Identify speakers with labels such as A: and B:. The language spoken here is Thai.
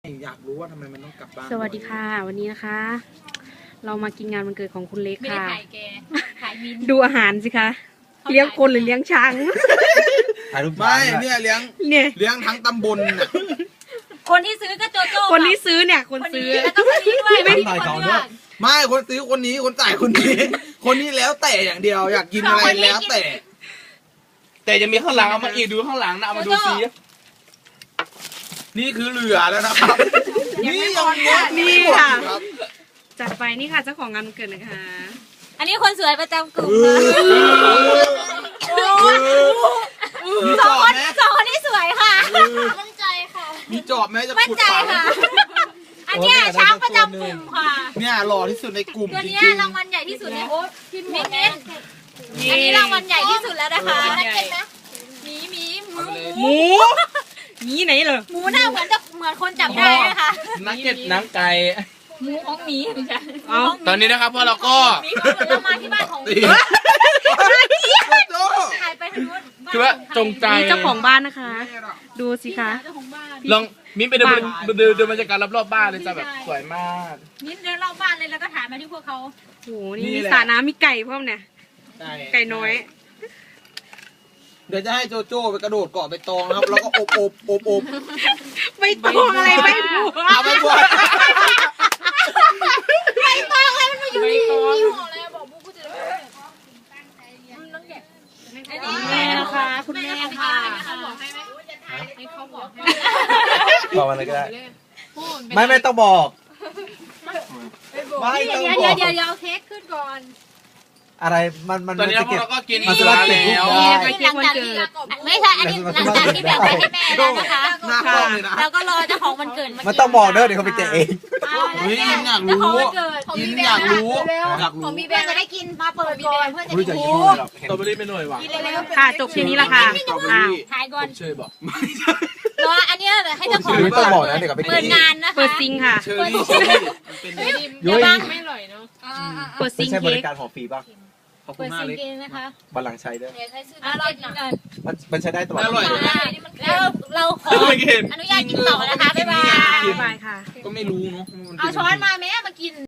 A: อยากรู้ว่าทำไมมันต้องกลับบ้าน
B: สวัสดีค่ะ วันนี้นะคะ เรามากินงานวันเกิดของคุณเล็ก
C: ไม่ได้
B: ค่ะ
C: ถ่ายแกถ่ายมิน
B: ดูอาหารสิคะเลี้ยงคนหรือเลี้ยงช้าง
D: ถ่ายรูป
A: ไม่เนี่ยเลี้ยง
B: เนี่ย
A: เลี้ยงทั้งตำบลน่ะ
C: คนที่ซื้อก็โจโจ้
B: คนที่ซื้อเนี่ยคน
C: คน
B: ซื้อ
C: นี้แล้วก็คนนี้ด้วยไม่มีคนเลือก
A: ไม่คนซื้อคนนี้คนจ่ายคนนี้ คนนี้แล้วแต่อย่างเดียวอยากกินอะไรแล้วแต่
D: แต่จะมีข้างหลังเอามาอีกดูข้างหลังนะเอามาดูซิ
A: นี่คือเหลือแล้วนะครับ นี่ยังเนี้ย
B: นี่
A: ไม่หมด
B: ค่ะ
A: อีกครับ
B: จัดไปนี่ค่ะเจ้าของงานวันเกิดนะคะ
C: อันนี้คนสวยประจำกลุ่ม
A: มี
C: ส
A: จ
C: อง
A: อบ
C: คน
A: ไหม
C: สองคนนี้สวยค่ะมั่นใจค่ะ
A: มีจอบไหมจะ
C: มั่น
A: ขุด
C: ใจ
A: ฝัง
C: ค่ะ อันเนี้ยช้างประจำกลุ่มค่ะ
A: เนี่ยหล่อที่สุดในกลุ่ม
C: ตัว
A: จ
C: เนี้ย
A: ริง
C: รางวัลใหญ่ที่สุดในมินอันนี้รางวัลใหญ่ที่สุดแล้วนะคะหมีหมู
B: หมูนี่ไหนเหรอ
C: หมูหน้าเหมือนคนจับได้นะคะ
D: นักเก็ตหนังไก่
C: หมูของหมีไม่ใช่
B: เอา
D: ตอนนี้นะครับพวกเราก็
C: หมีก็เหมือนเรามาที่บ้านของหมี
A: โจ้
C: ถ่ายไปทางนู้น
D: คือว่าจงใจ
B: นี่เจ้าของบ้านนะคะ ดูสิคะ
C: เจ้าของบ้าน
D: ลองมิ้นไปดูบรรยากาศรอบๆบ้านเลยจ้ะแบบสวยมาก
C: มิ้นเดินรอบบ้านเลยแล้วก็ถ่ายมาที่พวกเขา
B: โอ้โหนี่มีสระน้ำมีไก่พร้อมเนี่ยไก่น้อย
A: เดี๋ยวจะให้โจโจ้ไปกระโดดเกาะใบตองนะครับ แล้วก็อบ
B: ไม่ต้องอะไรไม่บัว
A: เอาไปบวช
C: อยู่นี่บอกเลยบอกบุ๊กกูจะได้ต้องเก็บ
B: แม่นะคะคุณแม่ค่ะ
C: เขาบอกให้ไหมให้เขาบอกให้
D: บอกอะไรก็ได้ไม่ต้องบอกไม่
C: เดี๋
D: ต้อง
C: ยว
D: บอก
C: เดี๋ยวเค้กขึ้นก่อน
E: อะไรมัน
D: ตอนนี้
E: จะ
D: พวก
E: เก็บ
D: เราก็กิน
E: มันสามารถเก็บรูปได้
B: เค้กวันเกิด
C: ไม่ใช่อันนี้หลังจากที่แบ่งไปให้แม่แล้วนะคะ
A: หน้ากล้องเลยนะ
C: แล้วก็รอเจ้าของวันเกิด
E: มันต้องบอกเด้อเดี๋ยวเขาไปแกะเอง
A: เฮ้ยยินอยาก
C: เจ้า
A: รู้
C: ของวันเกิด
A: ยินอยากรู้อยาก
C: ขอ
A: รู้
C: งมีแบงจะได้กินมาเปิดก่อนเพื่อจะ
E: รู้จัก
C: กิน
E: จะพูดหรอก
D: สตรอเบอรี่ไม่หน่อยว่ะ
C: กินเร็ว
B: ค่ะจบทีนี้ละค่ะอ้าว
C: ถ่ายก่อน
D: เชยบอก
C: รออันนี้ให้เจ้าของ
E: ไม่ต้องบอกนะเดี๋ยวเขาไป
C: เปิ
E: แกะ
C: ด
E: เอง
C: งานนะคะ
B: เปิดซิงค่ะ
A: เชอรี่เชอรี่มันเป็น
C: เดี๋ยวบ้าง
B: เปิดซิ
E: ไม่
B: ง
E: ใช่บ
B: เค้
E: ริ
B: ก
E: การหอฟรีป่ะ
A: ขอบคุ
C: เปิ
A: ณ
C: ด
A: มาก
C: ซิง
A: เลย
C: เกินนะคะ
E: บัลลังก์ใช้เด้อ
C: รอกินก่อน
E: มันใช้ได้ตลอด
A: อร่อยเลย
C: แล้วเราขออนุญาตกินต่อนะคะบ๊ายบาย
B: บ๊ายบายค่ะ
A: ก็ไม่รู้เนาะ
C: เอาช้อนมาแม่มากิน